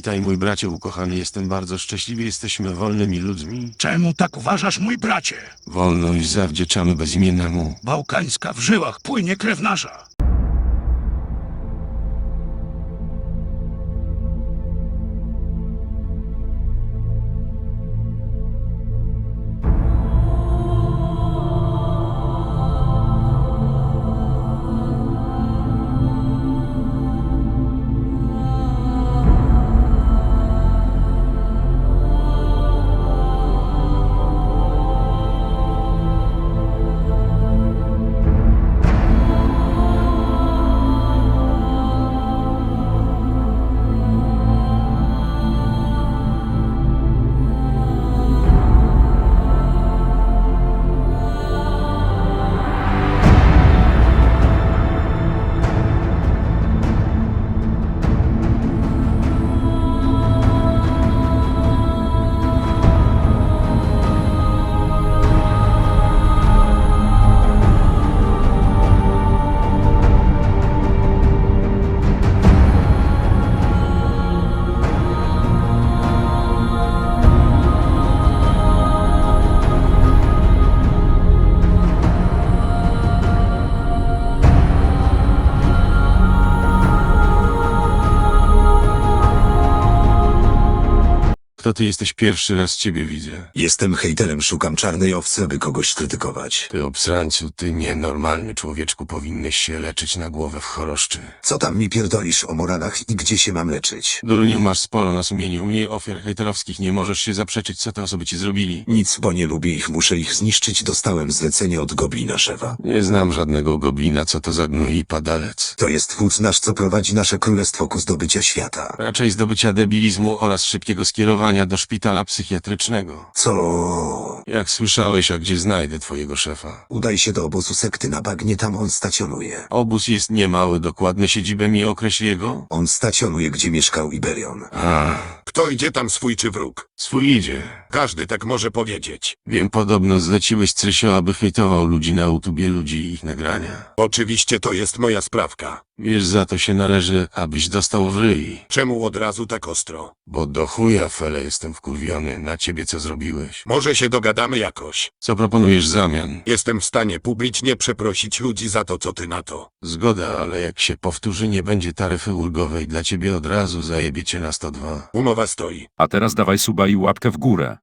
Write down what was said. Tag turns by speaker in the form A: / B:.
A: Witaj mój bracie ukochany, jestem bardzo szczęśliwy, jesteśmy wolnymi ludźmi.
B: Czemu tak uważasz, mój bracie?
A: Wolność zawdzięczamy bezimiennemu.
B: Bałkańska w żyłach płynie krew nasza.
A: Kto ty jesteś? Pierwszy raz ciebie widzę.
C: Jestem hejterem, szukam czarnej owcy, aby kogoś krytykować.
A: Ty obsrańcu, ty nienormalny człowieczku, powinieneś się leczyć na głowę w choroszczy.
C: Co tam mi pierdolisz o moralach i gdzie się mam leczyć?
A: Durniu, masz sporo na sumieniu, mniej ofiar hejterowskich, nie możesz się zaprzeczyć, co te osoby ci zrobili.
C: Nic, bo nie lubię ich, muszę ich zniszczyć, dostałem zlecenie od goblina szefa.
A: Nie znam żadnego goblina, co to za gnój i padalec.
C: To jest wódz nasz, co prowadzi nasze królestwo ku zdobycia świata.
A: Raczej zdobycia debilizmu oraz szybkiego skierowania do szpitala psychiatrycznego.
C: Co?
A: Jak słyszałeś, a gdzie znajdę twojego szefa?
C: Udaj się do obozu sekty na bagnie, tam on stacjonuje.
A: Obóz jest niemały, dokładne siedzibę mi określ jego?
C: On stacjonuje, gdzie mieszkał Iberion.
A: A,
D: Kto idzie tam, swój czy wróg?
A: swój idzie.
D: Każdy tak może powiedzieć.
A: Wiem, podobno zleciłeś Crysio, aby hejtował ludzi na YouTubie, ludzi i ich nagrania.
D: Oczywiście to jest moja sprawka.
A: Wiesz, za to się należy, abyś dostał w ryj.
D: Czemu od razu tak ostro?
A: Bo do chuja, Fele, jestem wkurwiony na ciebie, co zrobiłeś.
D: Może się dogadamy jakoś.
A: Co proponujesz w zamian?
D: Jestem w stanie publicznie przeprosić ludzi za to, co ty na to.
A: Zgoda, ale jak się powtórzy, nie będzie taryfy ulgowej dla ciebie, od razu zajebie cię na 102.
D: Umowa stoi.
E: A teraz dawaj suba i łapkę w górę.